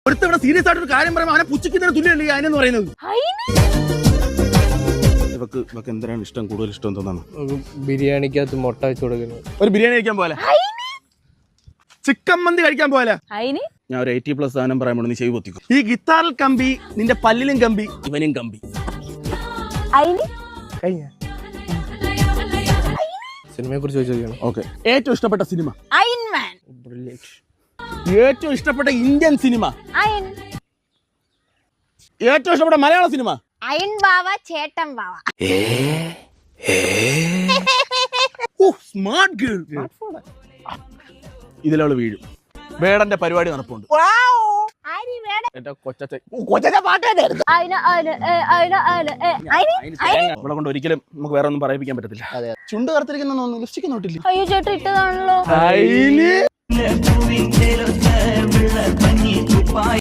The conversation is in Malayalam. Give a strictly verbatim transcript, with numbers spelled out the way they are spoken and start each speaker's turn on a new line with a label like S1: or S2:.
S1: ഒരുത്തവിടെ സീരിയസ് ആയിട്ട് ഒരു കാര്യം പറയുമ്പോൾ അവനെ പുച്ഛിക്കുന്നതിന് തുല്യമല്ലേ ഈ അതിനെന്ന് പറയുന്നത്. ഇവക്ക് ഇവക്ക് എന്തിനാണ് ഇഷ്ടം, കൂടുതൽ ഇഷ്ടം എന്താണ്?
S2: ബിരിയാണിക്കകത്ത് മുട്ട വെച്ച് കൊടുക്കുന്നത്.
S1: ഒരു ബിരിയാണി കഴിക്കാൻ പോലെ, ചിക്കൻ മന്തി കഴിക്കാൻ പോലെ. ഞാൻ ഒരു എയ്റ്റി പ്ലസ് സാധനം പറയാൻ നീ ചെയ്ത് പൊത്തിക്കും. ഈ ഗിത്താറിൽ കമ്പി, നിന്റെ പല്ലിലും കമ്പി, ഇവനും കമ്പി.
S2: സിനിമയെ കുറിച്ച് ചോദിച്ചാൽ
S1: ഓക്കെ. ഏറ്റവും ഇഷ്ടപ്പെട്ട സിനിമ?
S3: അയൺമാൻ.
S1: ഏറ്റവും ഇഷ്ടപ്പെട്ട ഇന്ത്യൻ സിനിമ?
S3: അയൺ.
S1: ഏറ്റവും ഇഷ്ടപ്പെട്ട മലയാള സിനിമ?
S3: അയൺ ബാവ ചേട്ടൻ ബാവ.
S1: Smart girl. ഇതിലവള് വീഴും. വേടന്റെ പരിപാടി നടപ്പുണ്ട്. ഇവിടെ കൊണ്ട് ഒരിക്കലും നമുക്ക് വേറെ ഒന്നും പറയിപ്പിക്കാൻ പറ്റത്തില്ല. ചുണ്ട് കറുത്തിരിക്കുന്ന ലിപ്സ്റ്റിക് നോട്ടില്ല.
S3: അയ്യോ ചേട്ടൻ ഇട്ടതാണല്ലോ.